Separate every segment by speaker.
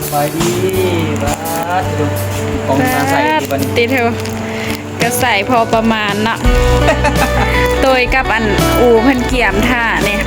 Speaker 1: บายดีบ้าดูของมาใส่ดีบัน
Speaker 2: ติเถอะก็ใส่พอประมาณเนาะ โดยกับอันอูเพิ่นเกี่ยมท่าเนี่ย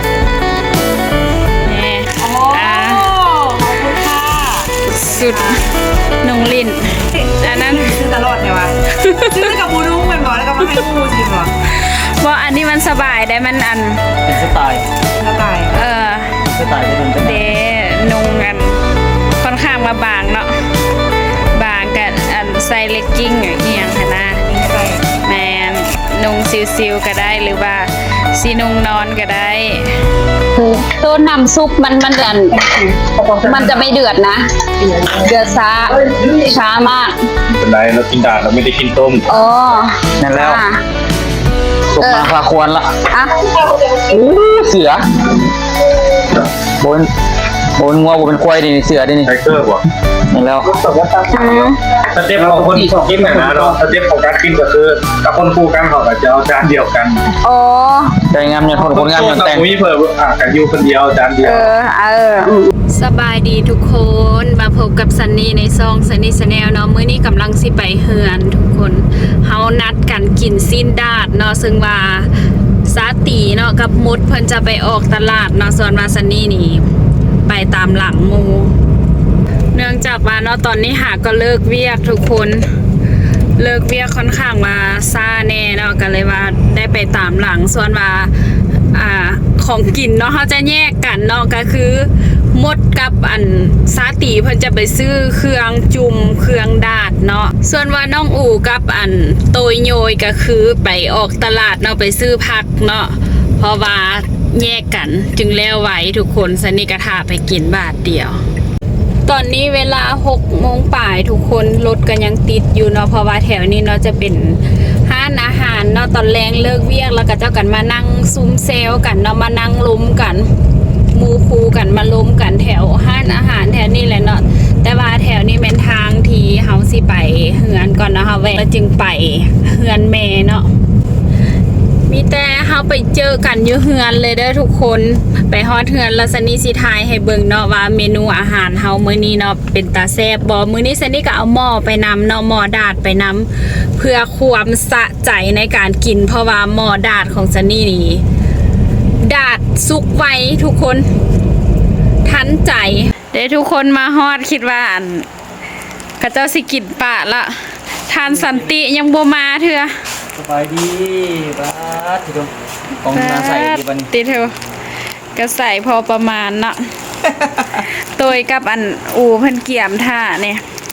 Speaker 2: นี่ขอบคุณค่ะสุดนงลินอันนั้น
Speaker 3: ซื้อตลอดไงวะซื้อกับบูดุ้งเป็นบ่แล้วก็มาให้บูชิมบ่
Speaker 2: ว่าอันนี้มันสบายได้มันอัน
Speaker 1: เป็นสไตล์
Speaker 3: สไตล์
Speaker 1: สไตล์ที่มันเป็น
Speaker 2: เดนงกันค่อนข้างมาบางเนาะบางกับอันใส่เลกกิ้งอย่างเงี้ยค่ะนะแมนนุ่งซิวๆก็ได้หรือว่าสีนุ่งนอนก็ได้
Speaker 4: ตัวน้ำซุปมันจะไม่เดือดนะเดือดช้ามาก
Speaker 5: เป็นไรเรากินด่านเราไม่ได้กินต้ม
Speaker 4: อ๋อ
Speaker 1: นั่นแล้วสุกมาพาควรละ
Speaker 4: อ่ะ
Speaker 1: เสือบนงัวบนควายดิเสือดินี่
Speaker 5: ไทเกอร์กว่า
Speaker 1: นั่นแล้ว
Speaker 5: สเต็ปของคนกินนะเนาะสเต็ปของการกินก็คือกับคนคู่กันเขาก็จะเอาจานเดียวกัน
Speaker 4: อ๋อ
Speaker 1: ใจงามอย่างคนงามอย่างแต่ง
Speaker 5: มีเพิ่มกันอยู่คนเดียวจานเดียว
Speaker 2: สบายดีทุกคนมาพบกับซันนี่ในซองซันนี่ชาแนลเนาะมื้อนี้กำลังสิไปเฮือนทุกคนเฮานัดกันกินซีนดาดเนาะซึ่งว่าซาตีเนาะกับมุดเพิ่นจะไปออกตลาดเนาะส่วนว่าซันนี่นี่ไปตามหลังหมู่เนื่องจากว่าเนาะตอนนี้หาก็เลิกเวียกทุกคนเลิกเวียกค่อนข้างมาซ่าแน่เนาะก็เลยว่าได้ไปตามหลังส่วนว่าของกินเนาะเขาจะแยกกันเนาะก็คือมดกับอันซาตีเพิ่นจะไปซื้อเครื่องจุ่มเครื่องดาดเนาะส่วนว่าน้องอู่กับอันโตยโยยก็คือไปออกตลาดเนาะไปซื้อผักเนาะเพราะว่าแยกกันจึงแล้วไหวทุกคนสนิกระทาไปกินบาทเดียวตอนนี้เวลา6 โมงป่ายทุกคนรถกันยังติดอยู่เนาะเพราะว่าแถวนี้เนาะจะเป็นห้านอาหารเนาะตอนแรงเลิกเวียกแล้วก็เจ้ากันมานั่งซุ้มเซลกันเนาะมานั่งล้มกันมูคูกันมาล้มกันแถวห้านอาหารแถวนี้แหละเนาะแต่ว่าแถวนี้เป็นทางที่เฮาสิไปเฮือนก่อนเนาะเฮาแวะแล้วจึงไปเฮือนแม่เนาะมีแต่เฮาไปเจอกันอยู่เฮือนเลยเด้อทุกคนไปฮอดเฮือนแล้วซันนี่สิทายให้เบิ่งเนาะว่าเมนูอาหารเฮามื้อนี้เนาะเป็นตาแซ่บบ่มื้อนี้ซันนี่ก็เอาหม้อไปนำเนาะหม้อดาดไปนำเพื่อความสะใจในการกินเพราะว่าหม้อดาดของซันนี่นี่ดาดสุกไวทุกคนทันใจเดี๋ยวทุกคนมาฮอดคิดว่าอันข้าเจ้าสิกินปะละทานสันติยังบ่มาเถื่อ
Speaker 1: สบายดีบ้าดูของมาใส่ดีบัน
Speaker 2: ติเถอะก็ใส่พอประมาณเนาะโดยกับอันอูเพิ่นเกี่ยมท่าเนี่ย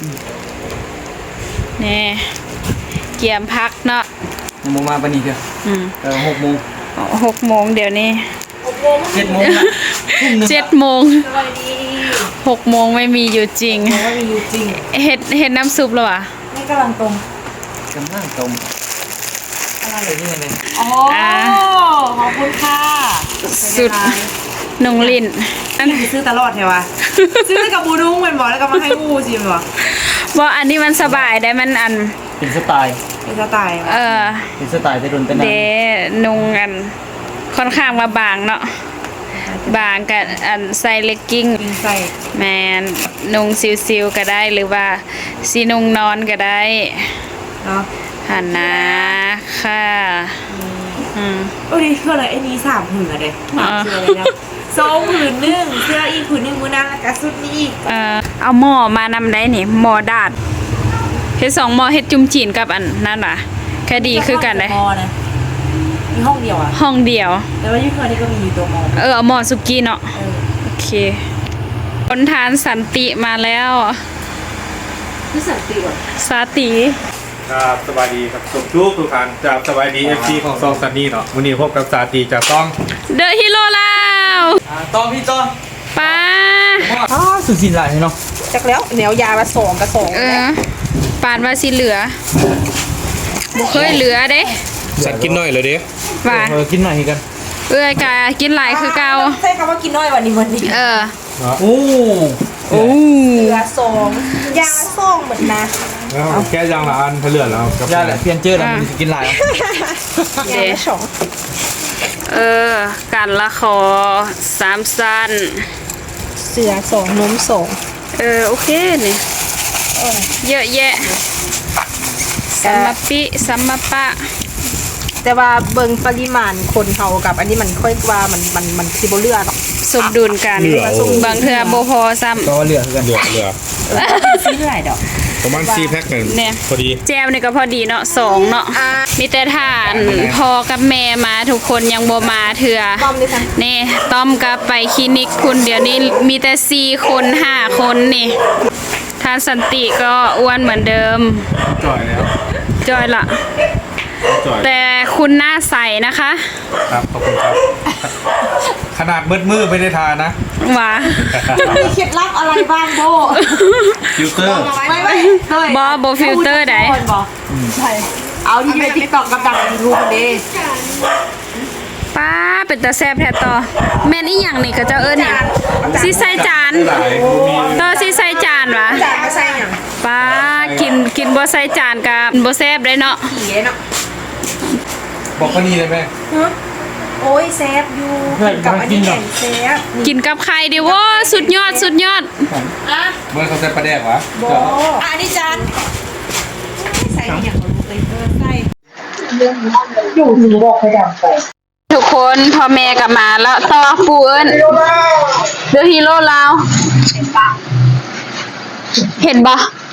Speaker 2: นี่เกี่ยมพักเนาะ
Speaker 1: โมงมาปนีเถอะ6 โมง
Speaker 2: 6 โมงเดี๋ยวนี้
Speaker 1: 7 โมงนะ
Speaker 2: 7 โมง6 โมงไม่มีอยู่จริงเฮ็ดน้ำซุปหรอวะ
Speaker 3: นี่กำลังตรง
Speaker 1: อะไรนี่ไง
Speaker 3: อ๋อขอบคุณค่ะ
Speaker 2: สุดนงลิน
Speaker 3: อันนี้ซื้อตลอดไงวะซื้อกับบูดุ้งเป็นบ่แล้วก็มาให้บูชิมบ่
Speaker 2: ว่าอันนี้มันสบายได้มันอัน
Speaker 1: เป็นสไตล์
Speaker 3: เป็นสไตล์
Speaker 1: เป็นสไตล์ที่รุนเป็น
Speaker 2: เดนงกันค่อนข้างมาบางเนาะบางกับอันใส่เลกกิ้งแมนนุ่งซิวๆก็ได้หรือว่าสีนุ่งนอนก็ได้
Speaker 3: เนาะ
Speaker 2: หันนะค่ะ
Speaker 3: โอ้ดิคืออะไรไอ้นี้3 ผืนอะเด็กเสื้อเลยนะ2 ผืนนึงเสื้ออีกผืนนึงมือนั่งแล้วก็สุดนี้อีก
Speaker 2: เอาหม้อมานำได้นี่หม้อดาดเฮ็ด2 หม้อเฮ็ดจุ่มจีนกับอันนั่นว่ะแค่ดีคือกันเลย
Speaker 3: มีห้องเดียวอะ
Speaker 2: ห้องเดียว
Speaker 3: แต่ว่ายุคนี้ก็มีอยู่ตัวหม้อ
Speaker 2: เอาหม้อสุกี้เนาะโอเคคนทานสันติมาแล้ว
Speaker 3: นี่สันติก่อน
Speaker 2: สาติ
Speaker 5: ครับสบายดีครับทุกท่านจากสบายดี FC ของซองซันนี่เนาะวันนี้พบกับสาตีจากต้อง
Speaker 2: เดอะฮีโร่แล้ว
Speaker 1: ต้องพี่ต้อง
Speaker 2: ป้า
Speaker 1: สุดสินหลายเนาะ
Speaker 3: จากแล้วเหนียวยามา2 กระสอบ
Speaker 2: ปานว่าสิเหลือบุเคยเหลือเด้
Speaker 5: สัตว์กินหน่อยเลยเด้
Speaker 2: ว่า
Speaker 1: กินหน่อยกัน
Speaker 2: กะกินหลายคือเก่า
Speaker 3: ใช่คำว่ากินน้อยวันนี้
Speaker 1: โอ้
Speaker 3: เหลือ2 ยา2เหมือนนะ
Speaker 5: แค่ยางละอันเพื่อนแล้ว
Speaker 1: ยาแหละเพี้ยนเจอแล้วมันกินหลาย
Speaker 3: เดช
Speaker 2: การละคอ3 สั้น
Speaker 3: เสือ2 นม2
Speaker 2: โอเคนี่เยอะแยะสัมมาปิสัมมาปะ
Speaker 3: แต่ว่าเบิ่งปริมาณคนเฮากับอันนี้มันค่อยว่ามันสิบ่เลือด
Speaker 2: สมดุลกันบางเทื่อบ่พอซ้ำ
Speaker 5: ก็เหลือกันเหลือ
Speaker 3: สิเท่าไหร่ดอก
Speaker 5: ประมาณ4แพ็คกัน
Speaker 2: เนี่ย
Speaker 5: พอดี
Speaker 2: แจวนี่ก็พอดีเนาะ2เนาะมีแต่ทานพอกับแม่มาทุกคนยังบ่มาเถื่อ
Speaker 3: ต้อมด้วยค่ะ
Speaker 2: นี่ต้อมกับไปคลินิกคุณเดี๋ยวนี้มีแต่4คน5คนนี่ทานสันติก็อ้วนเหมือนเดิม
Speaker 5: จ่อยแล้ว
Speaker 2: จอยละ
Speaker 5: จ่อย
Speaker 2: แต่คุณหน้าใสนะคะ
Speaker 5: ครับขอบคุณครับ ขนาดมืดไม่ได้ทานนะ
Speaker 2: หว่า
Speaker 3: มีเคล็ดลับอะไรบ้างโบ
Speaker 5: ฟิลเตอร์
Speaker 3: ไม่เฮ้ย
Speaker 2: บ่ filter ใด
Speaker 3: ใช่เอาที่ใน TikTok กับดังใน YouTube เด้
Speaker 2: ป้าเป็นตาแซ่บแท้ต่อแม่นอีหยังนี่ก็เจ้าเอิ้นหยังสิใส่จาน
Speaker 5: หลายมี
Speaker 2: ต่อสิใส่จานวะ
Speaker 3: จานมาใส่หยัง
Speaker 2: ป้ากินบ่ใส่จานกับบ่แซ่บเลยเนาะ
Speaker 3: ผีเนาะ
Speaker 5: บอกว่านี่เลยแม่
Speaker 3: โอ้ยแซฟอยู่กินกับอันนี้แห่งแซฟ
Speaker 2: กินกับไข่ดิโว้สุดยอด
Speaker 3: อ่ะ
Speaker 5: เมื่อเขาใส่ปลาแดกวะ
Speaker 3: โบอันนี้จานใส่อย่างรู้เลยใส่
Speaker 2: ทุกคนพ่อแม่กลับมาแล้วต่อปูเอิ้นเดอะฮีโร่ลาวเห็นบ่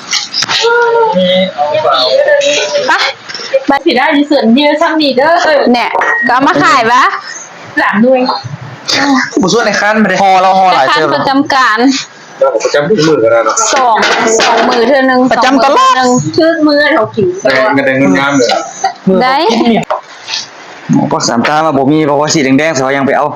Speaker 2: ปะ
Speaker 4: มาสิได้เสือนยืดซ้ำนี่เด้อ
Speaker 2: เนี่ยก็เอามาขายวะ
Speaker 4: 3ด้วย
Speaker 1: บุส่วนในขั้นไม่ได้ฮอเราฮอหลาย
Speaker 2: คัน
Speaker 1: เทื่อ
Speaker 2: ประจำการ
Speaker 5: ประจำทุกมือกันนะเนาะ
Speaker 2: สองมือเท่านึง
Speaker 1: ประจำตลอด
Speaker 4: ชื่อมือเขาขิง
Speaker 5: แต่เงินงามเลย
Speaker 2: ได้
Speaker 1: พวกสามตามาบ่มีเพราะว่าสีแดงๆเขายังไปเอา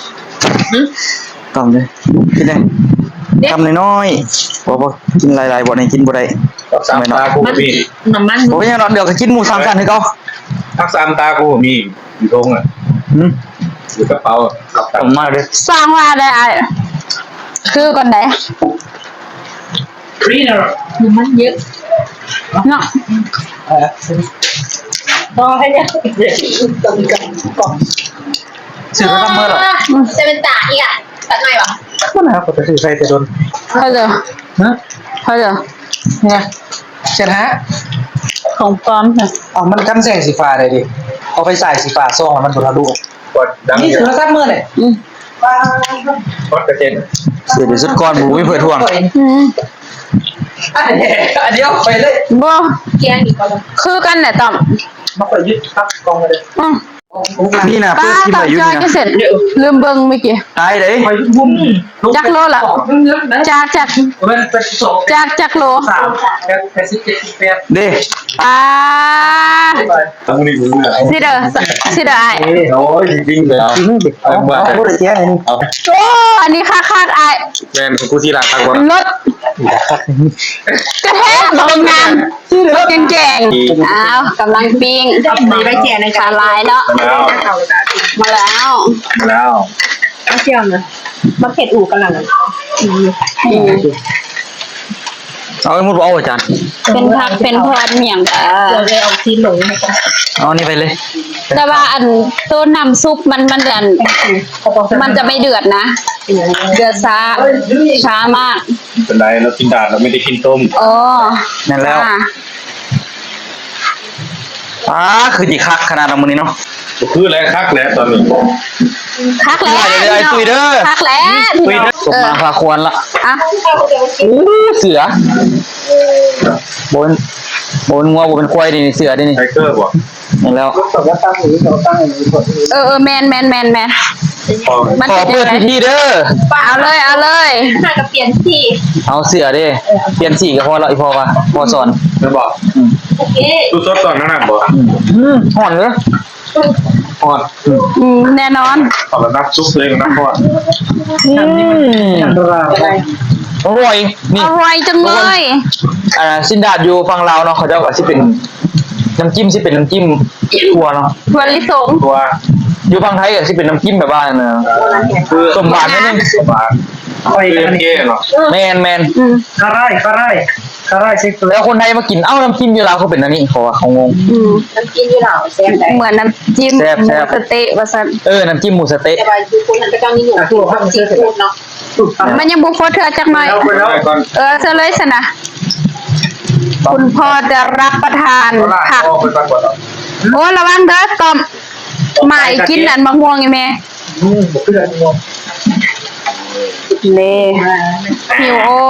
Speaker 1: ต่อมเลยกินได้ทำน้อยๆบ่กินหลายๆบ่ได้กินบ่ได้
Speaker 5: สามตากูมี
Speaker 4: น้ำมัน
Speaker 1: บ่เป็นหยังดอกเดี๋ยวก็กินหมูสามชั้นให้เขา
Speaker 5: ทักสามตากูมีอยู่ตรงอ่ะ
Speaker 1: หืม
Speaker 5: อยู่กระเป๋ากับ
Speaker 1: ต่อมมากเลย
Speaker 2: สร้างว่าได้อ้ายคือก่อนไหน
Speaker 4: น้ำมันเยอะ
Speaker 2: เนาะ
Speaker 4: พอให้เนี่ยตรงกันกล่อง
Speaker 1: ซื้อไปทำเมื่อหรอ
Speaker 4: เซเว่นตาอีกอ่ะตัดหน่อยวะ
Speaker 1: นั่นนะครับก็ไปซื้อใส่แต่โดน
Speaker 2: เขาเจอ
Speaker 1: ฮะ
Speaker 2: เขาเจอ
Speaker 1: เนี่ยเช็ดฮะ
Speaker 2: ของปลอมค่ะ
Speaker 1: อ๋อมันกันแสงสีฟ้าได้ดิเอาไปใส่สีฟ้าซ่องแล้วมันบ่ทะลุ
Speaker 5: กดดัง
Speaker 1: นี่
Speaker 5: เย
Speaker 1: ถือ
Speaker 5: อะ
Speaker 1: ว่าซับมือเลย
Speaker 5: กดกระเจน
Speaker 1: เสียเดี๋ยวสุดก่อนบ่มีเผื่อทวง อันเดียวไปเลย
Speaker 2: บ่
Speaker 4: แกงอีกก็เลย
Speaker 2: คือกันแหละต่อม
Speaker 1: มาไปยึดพักกองมาเลย
Speaker 2: อืม
Speaker 1: นี่นะ
Speaker 2: ป้า
Speaker 1: เพื่อนที่
Speaker 2: ต่อ
Speaker 1: มาอยู่
Speaker 2: จอย
Speaker 1: นี่
Speaker 2: ก็
Speaker 1: นะ
Speaker 2: เสร็จลืมเบิ่งเมื่อกี้
Speaker 1: ตายเลย
Speaker 2: จักโลละจากโล
Speaker 1: เด้
Speaker 2: อ่า
Speaker 5: ตั้งนี่กูเลย
Speaker 2: สิเด้ออ้าย
Speaker 5: โอ้ยจริงๆเลยเอา
Speaker 1: เอาพูดได้แค่นี้
Speaker 5: เอา
Speaker 2: โอ้อันนี้ค่าอ้าย
Speaker 5: แม่กูที่ร้านทางก่อน
Speaker 2: รถกระแทกลงงานรถแกงๆอ้าวกำลังปิ้ง
Speaker 3: มีใบแจกใน
Speaker 2: ขาลายเนาะ
Speaker 5: แล้ว
Speaker 3: เขาจะ
Speaker 2: มาแล้ว
Speaker 5: แล้ว
Speaker 3: มาเที่ยวนะมาเผ็ดอู่กันหลัง
Speaker 1: เอาให้มุดเอาอาจารย์
Speaker 2: เป็นผักเป็นพรเมียง
Speaker 3: เราเลยเอาที่หลง
Speaker 1: เอานี่ไปเลย
Speaker 2: แต่ว่าอันตัวน้ำซุปมันจะไม่เดือดนะ เดือดช้ามาก
Speaker 5: เป็นไรเรากินดาดเราไม่ได้กินต้ม
Speaker 2: อ๋อ
Speaker 1: นั่นแล้ว
Speaker 2: จ้า
Speaker 1: คือดีคักขนาดนั้นมื้อนี้เนาะ
Speaker 5: คือแรงคักแล้วตอนนี้
Speaker 2: คักแล้ว
Speaker 1: เดี๋ยวคุยเด้อ
Speaker 2: คักแล้ว
Speaker 1: คุยเด้อสมมาพาควรละ
Speaker 2: อ่ะ
Speaker 1: เสือโบนงัวบ่เป็นควายดิเสือดินี่
Speaker 5: ไทเกอร์บอก
Speaker 1: นั่นแล้ว
Speaker 2: แมน
Speaker 5: พอ
Speaker 2: มัน
Speaker 1: ขอ
Speaker 2: เป็น
Speaker 1: เพื่อ
Speaker 2: ยังไง
Speaker 1: พี่เด้อ
Speaker 2: เอาเลย
Speaker 4: น่าจะเปลี่ยนที่
Speaker 1: เอาเสือดิเปลี่ยนสีก็พอแล้วอีพอว่าพอสอน
Speaker 5: ไม่บอก
Speaker 4: โอเค
Speaker 5: ดูซดตอนนั้นบอก
Speaker 1: ห่อนเหรอ
Speaker 5: ทอด
Speaker 2: แน่นอน
Speaker 5: ตอนนับซุปเลยนับทอด
Speaker 1: อร่อยนี่
Speaker 2: อร่อยจังเลย
Speaker 1: สินดาดอยู่ฝั่งลาวเนาะเขาเจ้าก็สิเป็นน้ำจิ้มสิเป็นน้ำจิ้มถั่วเนาะ
Speaker 2: ถั่วลิสง
Speaker 5: ตัว
Speaker 1: อยู่ฝั่งไทยก็สิเป็นน้ำจิ้มแบบว่าเนาะ
Speaker 5: คือ
Speaker 1: สมหวานนิดนึง
Speaker 5: สมหวานเก้เนาะ
Speaker 1: แมน
Speaker 5: คาร่ายใช่ตัว
Speaker 1: แล้วคนไทยมากินเอ้าน้ำจิ้มอยู่ลาวเขาเป็นอันนี้เขาว่าเขางง
Speaker 4: น้ำกินอยู่หล่าแซ่บได้
Speaker 2: เหมือนน้ำจิ้ม
Speaker 1: แซ่บ
Speaker 2: หมูสะเต๊ะว่าซั่น
Speaker 1: น้ำจิ้มหมูสะเต๊ะ
Speaker 4: แต่ว่าคือคนนั้นก็ต้องมีหนูถูกซีฟู้ดเนาะมันยังบ่พอเทื่อจักหน่อย
Speaker 5: เอาไปแล้วก่อน
Speaker 4: ซะเลยซะนะคุณพ่อจะรับประทานผัก
Speaker 5: เอาไปก่อน
Speaker 4: โอ้ระวังเด้อตอมหมายกินอันมะม่วงไงแม่
Speaker 5: บ่คืออันนี้
Speaker 4: เล่หิวโอ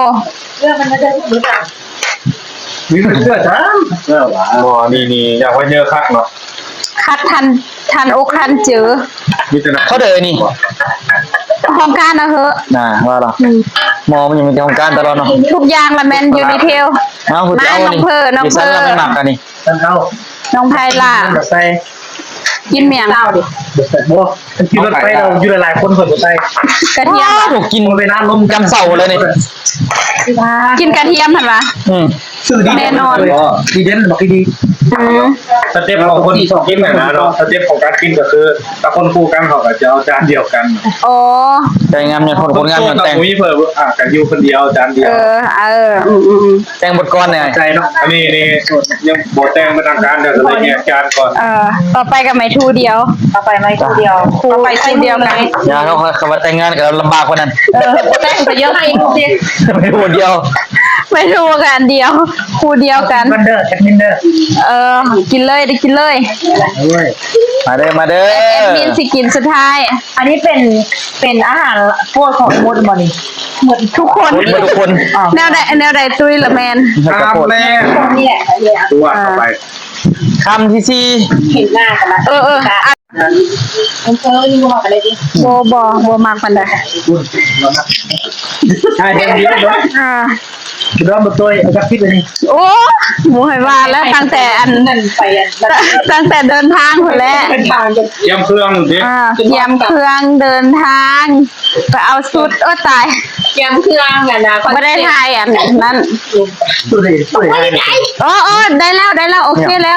Speaker 5: มีเสื้อจ้าบ่นี่อยากไว้เยอะคักเนาะ
Speaker 4: คัดทันอกทันเจอ
Speaker 5: มีแต่นะ
Speaker 1: เขาเดินนี่
Speaker 4: ห้องการนะเหอะ
Speaker 1: น่ะว่าล่ะมอมันยังมีทำการตลอดเนาะ
Speaker 4: ทุกอย่างละแมนอยู่ในเทล
Speaker 1: เอาคุณ
Speaker 4: มา
Speaker 1: เอา
Speaker 4: น้อง
Speaker 1: นี่
Speaker 4: เพอน้อง
Speaker 1: ดิ
Speaker 4: เพ
Speaker 1: ฉัน
Speaker 4: อ
Speaker 1: เราไม่หมักกันนี่
Speaker 5: ท่านเอา
Speaker 4: น้องไพล่า
Speaker 5: ใส่
Speaker 4: กินเมียง
Speaker 5: บ่มันกินรถไฟเราอยู่หลายๆคนคนบ่ใส่
Speaker 4: กระเทียม
Speaker 1: ถูกกิน
Speaker 5: บ่ไปน้ำลม
Speaker 1: จำเสาเลยนี่
Speaker 4: กินกระเทียมหั่นวะ
Speaker 5: ซื้อดี
Speaker 4: แน่นอน
Speaker 5: ดีเด่นบอกดี
Speaker 4: อืม
Speaker 5: สเต็ปของคนกินน่ะนะเนาะสเต็ปของการกินก็คือถ้าคนคู่กันเขาก็จะเอาจานเดียวกัน
Speaker 4: โอ้
Speaker 1: ใจงามเนี่ยคนงามเนี่ยแต่ง
Speaker 5: มีเพิ่มกันอยู่คนเดียวจานเดียว
Speaker 1: แต่งบทกรเนี่ย
Speaker 5: ใจเนาะอันนี้ยังบ่แต่งเป็นทางการเดี๋ยวจะเลยแยกจานก่อน
Speaker 4: ต่อไปกับไม้ทูเดียว
Speaker 3: ต่อไปไม่ตัวเดียว
Speaker 4: ต่อไปทูเดียวกัน
Speaker 1: อย่าเขาคำว่าแต่งงานกับเราลำบากกว่านั้น
Speaker 3: แต่งไปเยอะให้ลูกดิ
Speaker 1: ไม่พูดเดียว
Speaker 4: ไม่ทูกันเดียวคูเดียวกัน
Speaker 5: มันเด้อแอดมินเด้อ
Speaker 4: กินเลยได้กินเลย
Speaker 1: มาเด้อมาเด้อ
Speaker 4: แอดมินสิกินสุดท้าย
Speaker 3: อันนี้เป็นอาหารโปรดของมดบอนี่
Speaker 4: หมดทุกคน
Speaker 1: หมดทุกคน
Speaker 4: แนวใดตุยละแมน
Speaker 1: กระโปด
Speaker 5: แม่
Speaker 3: นี่แหละ
Speaker 5: ตัวต่อไป
Speaker 1: คำที่สี่
Speaker 3: เห็นหน้ากันละ มันเจอยิ่งกว่ากันเลยดิ
Speaker 4: โบมากปันใด
Speaker 5: ใช่เดี๋ยวนี้เนาะเริ่มมาตัวเอาจักพิษเลยนี่
Speaker 4: โอ้หมูหอยว่าแล้วตั้งแต่ตั้งแต่เดินทางคนแรก
Speaker 3: เป็นทางจะ
Speaker 5: เตรียมเครื่องดิ
Speaker 4: เตรียมเครื่องเดินทางไปเอาชุดตาย
Speaker 3: เตรียมเครื่องกันนะ
Speaker 4: ไม่ได้ทายอันนั้น
Speaker 5: ตัวนี้ตัวนี้
Speaker 4: โอ้ได้แล้วโอเคแล้ว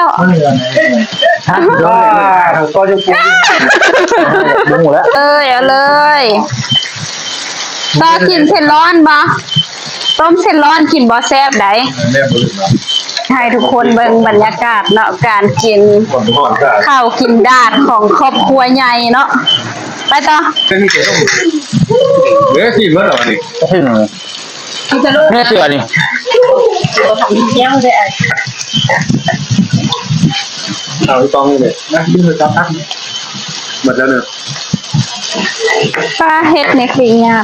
Speaker 5: ก็จะพูด
Speaker 1: หมูแล้ว
Speaker 4: เอาเลยต่อกินเส้นร้อนบ่ต้มเส้นร้อนกินบ่แซ่บได้
Speaker 5: แม่บุญเนาะ
Speaker 4: ให้ทุกคนเบิ่งบรรยากาศเนาะการกิน
Speaker 5: ก่อนก่อนก็
Speaker 4: ข้าวกินดาดของครอบครัวใหญ่เนาะไปต่อ
Speaker 5: เป็นที่เจ๋งเหลือสี่เมื่อไหร่นี่
Speaker 1: ขึ้นแม่เสือนี่
Speaker 3: เที่ยวเลย
Speaker 5: เอาตองเลยนะยืนจับตั้งหมดแล้วเนี่ย
Speaker 4: ปลาเฮ็ดในคลิงยาก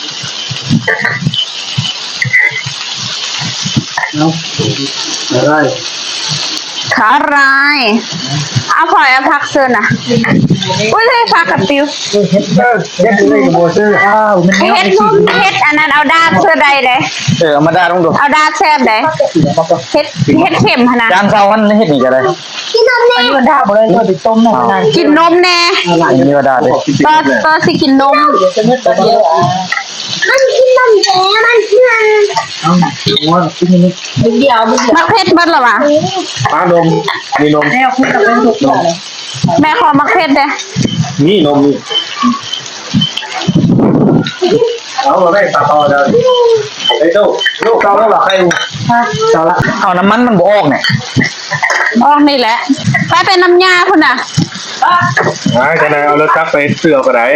Speaker 5: ได้
Speaker 4: ขาลายเอาพลอยเอาผักเสื้อน่ะอุ้ยเลยผักกับปิว
Speaker 5: เฮ็ดเลยกับโบเซอร์อ้าวมัน
Speaker 4: เฮ็ดนุ่มเฮ็ดอันนั้นเอาดาดเสื้อใดเด้
Speaker 1: เอามาด่าต้องดู
Speaker 4: เอาดาดแซ่บเด้เฮ็ดเข็มหั่นน่ะ
Speaker 1: จานเสามันเฮ็ดนี่ก็ได้
Speaker 3: อันนี้มันด่าหมดเลยตัวติดต้มหน่อยนะ
Speaker 4: กินนมแน่
Speaker 1: อันนี้ว่าด่าเลย
Speaker 4: ต่อสิกินนม
Speaker 3: จะมืดตัวเดียว
Speaker 4: มันกินนมแท้มันเพื่อน
Speaker 5: ว่าที่นี่
Speaker 3: เดียวมัน
Speaker 4: มักเผ็ดเบิดเหรอวะ
Speaker 5: ป้านมมีนม
Speaker 3: แนวคุณกับเป็นทุกอย่างเลย
Speaker 4: แม่ขอมักเผ็ดเด้
Speaker 5: นี่นมนี่เอาเราได้ตัดต่อเลยไอ้เจ้าลูกเจ้าแล้วหรอใครเจ้าละ
Speaker 1: เอาน้ำมันมันบ่ออกเนี่ย
Speaker 4: ออกนี่แหละไปเป็นน้ำยาพุ่นน่ะ
Speaker 5: จะนายเอารถจักรไปเสือก็ได้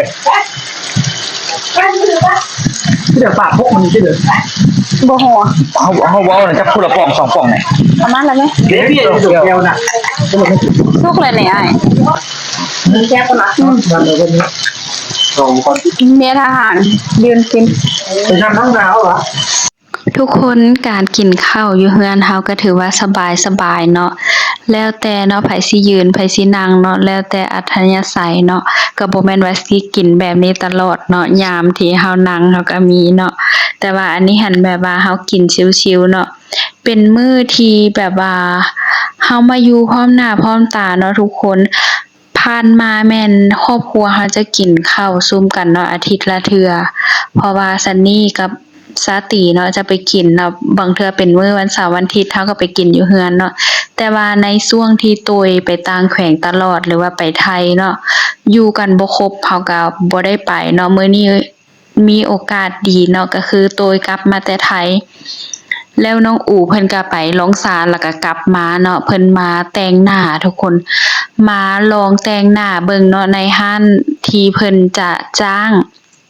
Speaker 5: ที่เดี๋ยวปากพวกมันที่เดี๋ยว
Speaker 4: บ่หัว
Speaker 1: เขาเว้าน่ะจักพูดละป่อง2ป่องเนี่ย
Speaker 4: ประมาณนั้นไหม
Speaker 5: เดี๋ยวพี่จะเดียวน่ะ
Speaker 4: สุกเลยเนี่ยไอ้
Speaker 3: มีแค่คนละ
Speaker 5: มันเลยวันนี้สองคน
Speaker 4: เมียทหารยืนกิน
Speaker 5: ไปทำน้ำหนาวเหรอ
Speaker 2: ทุกคนการกินข้าวอยู่เฮือนเฮาก็ถือว่าสบายเนาะแล้วแต่เนาะไผสิยืนไผสินั่งเนาะแล้วแต่อัธยาศัยเนาะก็บ่แม่นว่าสิกินแบบนี้ตลอดเนาะยามที่เฮานั่งเฮาก็มีเนาะแต่ว่าอันนี้หันแบบว่าเฮากินชิวๆเนาะเป็นมื้อที่แบบว่าเฮามาอยู่พร้อมหน้าพร้อมตาเนาะทุกคนผ่านมาแม่นครอบครัวเฮาจะกินข้าวซุ่มกันเนาะอาทิตย์ละเทื่อเพราะว่าซันนี่กับสาตีเนาะจะไปกินเนาะบางเทื่อเป็นมื้อวันเสาร์วันอาทิตย์เฮาก็ไปกินอยู่เฮือนเนาะแต่ว่าในช่วงที่ตุยไปต่างแขวงตลอดหรือว่าไปไทยเนาะอยู่กันบ่ครบเฮาก็บ่ได้ไปเนาะมื้อนี้มีโอกาสดีเนาะก็คือตุยกลับมาแต่ไทยแล้วน้องอู๋เพิ่นก็ไปร้องศาลแล้วก็กลับมาเนาะเพิ่นมาแต่งหน้าทุกคนมาลองแต่งหน้าเบิ่งเนาะในห้านที่เพิ่นจะจ้าง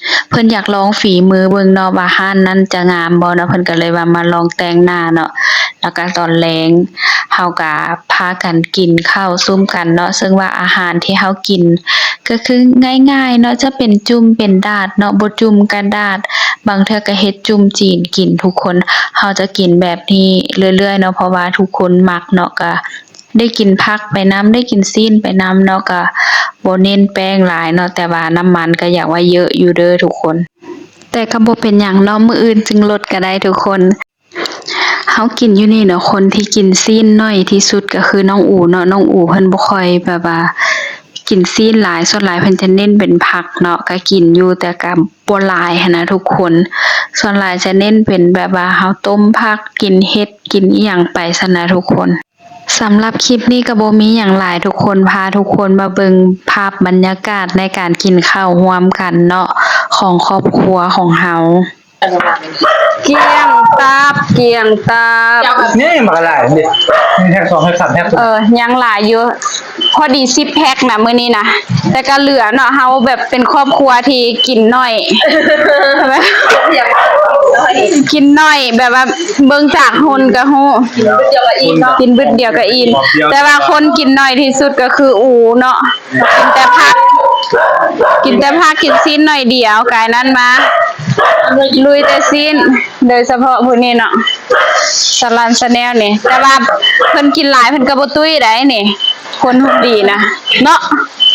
Speaker 4: เพิ่นอยากลองฝีมือเบิ่งเนาะว่าร้านนั้นจะงามบ่เนาะเพิ่นก็เลยว่ามาลองแต่งหน้าเนาะแล้วก็ตอนแลงเฮาก็พากันกินข้าวซุ่มกันเนาะซึ่งว่าอาหารที่เฮากินก็คือง่ายๆเนาะจะเป็นจุ่มเป็นดาดเนาะบ่จุ่มกระดาษบางเทื่อก็เฮ็ดจุ่มจีนกินทุกคนเฮาจะกินแบบนี้เรื่อยๆเนาะเพราะว่าทุกคนมักเนาะก็ได้กินผักไปนำได้กินซีนไปนำเนาะก็บ่เน้นแป้งหลายเนาะแต่ว่าน้ำมันก็อยากว่าเยอะอยู่เด้อทุกคน แต่ก็บ่เป็นหยังเนาะมื้ออื่นจึงลดก็ได้ทุกคนเฮากินอยู่นี่เนาะคนที่กินซีนน้อยที่สุดก็คือน้องอูเนาะน้องอูเพิ่นบ่ค่อยแบบว่ากินซีนหลายส่วนหลายเพิ่นจะเน้นเป็นผักเนาะก็กินอยู่แต่ก็บ่หลายหันนะทุกคนส่วนหลายจะเน้นเป็นแบบว่าเฮาต้มผักกินเห็ดกินอีหยังไปซั่นนะทุกคนสำหรับคลิปนี้ก็บ่มีหยังหลายทุกคนพาทุกคนมาเบิ่งภาพบรรยากาศในการกินข้าวร่วมกันเนาะของครอบครัวของเฮาเกียงตาบ
Speaker 5: นี่มาหลายนี่มีแท็ก2ให้3แท็ก
Speaker 4: ยังหลายอยู่พอดี10แพ็คนะมื้อนี้นะแต่ก็เหลือเนาะเฮาแบบเป็นครอบครัวที่กินน้อยใช่ไหมกินน้อยแบบว่าเบิ่งจากหุ่นก็ฮู้กินบึดเดียวก็อิ่มแต่ว่าคนกินน้อยที่สุดก็คืออูเนาะกินแต่ผักกินซีนหน่อยเดียวกายนั้นมาลุยแต่ซีนโดยเฉพาะผู้นี้เนาะสลันสแนลนี่แต่ว่าเพิ่นกินหลายเพิ่นก็บ่ตุ้ยได้นี่คนหุ่นดีนะเนาะ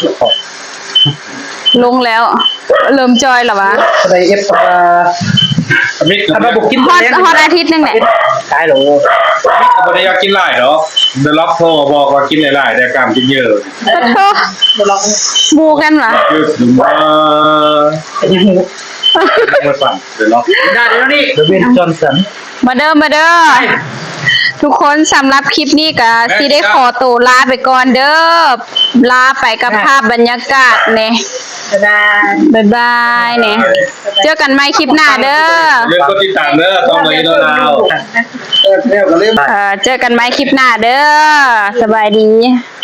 Speaker 4: ลงแล้วเริ่มจอยแล้ววะ
Speaker 5: ได้เอฟมิดถ้าบุกกิน
Speaker 4: ฮอดอาทิตย์นึงแหละ
Speaker 5: ตายหรอมิดบ่ได้อยากกินหลายเนาะเดี๋ยวล็อกโทรบอกว่ากินหลายๆแต่กล้ามกินเยอะ
Speaker 4: ขอโทษบูกันเหรอ
Speaker 5: เยอะถึงว่าไม่ฟังเดี๋ยวล็อกได้แล้วนี่เดวินจอห์นสัน
Speaker 4: มาเด้อทุกคนสำหรับคลิปนี้ก็สิได้ขอตัวลาไปก่อนเด้อลาไปกับภาพบรรยากาศเนี่ยบ๊ายบายเนี่ยเจอกันใหม่คลิปหน้าเด้อ
Speaker 5: เรื่องก็ติดตามเด้อต้องเลยดาว
Speaker 4: เจอกันใหม่คลิปหน้าเด้อสบายดี